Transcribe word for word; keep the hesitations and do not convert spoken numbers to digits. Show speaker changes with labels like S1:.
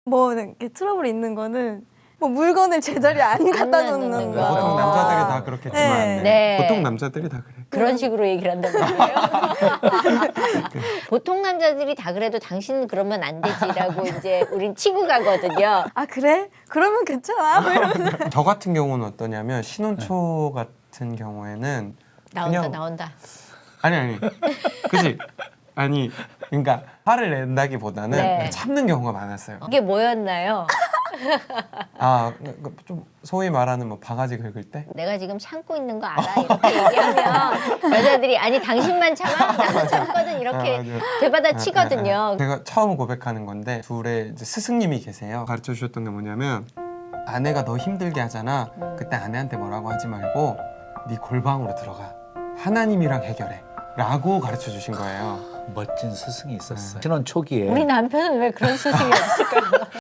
S1: 뭐 이렇게 트러블 있는 거는 뭐 물건을 제자리에 안 갖다
S2: 놓는
S1: 놓는
S2: 거.
S1: 거.
S3: 보통 남자들이 다 그렇겠지만
S1: 네.
S2: 네.
S3: 보통 남자들이 다 그래.
S2: 그런 식으로 얘기를 한단 말이에요. 보통 남자들이 다 그래도 당신은 그러면 안 되지라고 이제 우린 치고 가거든요.
S1: 아 그래? 그러면 괜찮아. 뭐 이러면서.
S3: 저 같은 경우는 어떠냐면 신혼초 같은 경우에는
S2: 나온다
S3: 그냥-
S2: 나온다.
S3: 아니 아니 그지 아니 그러니까 화를 낸다기보다는
S2: 네.
S3: 참는 경우가 많았어요.
S2: 이게 뭐였나요?
S3: 아좀 소위 말하는 뭐 바가지 긁을 때
S2: 내가 지금 참고 있는 거 알아? 이렇게 얘기하면 여자들이 아니 당신만 참아? 나도 참거든 이렇게
S3: 아, 맞아요.
S2: 되받아 치거든요.
S3: 아, 아, 아. 제가 처음 고백하는 건데 둘의 이제 스승님이 계세요. 가르쳐 주셨던 게 뭐냐면 아내가 너 힘들게 하잖아. 그때 아내한테 뭐라고 하지 말고 네 골방으로 들어가. 하나님이랑 해결해. 라고 가르쳐 주신 거예요.
S4: 멋진 스승이 있었어요. 신혼 초기에
S2: 우리 남편은 왜 그런 스승이 없을까요?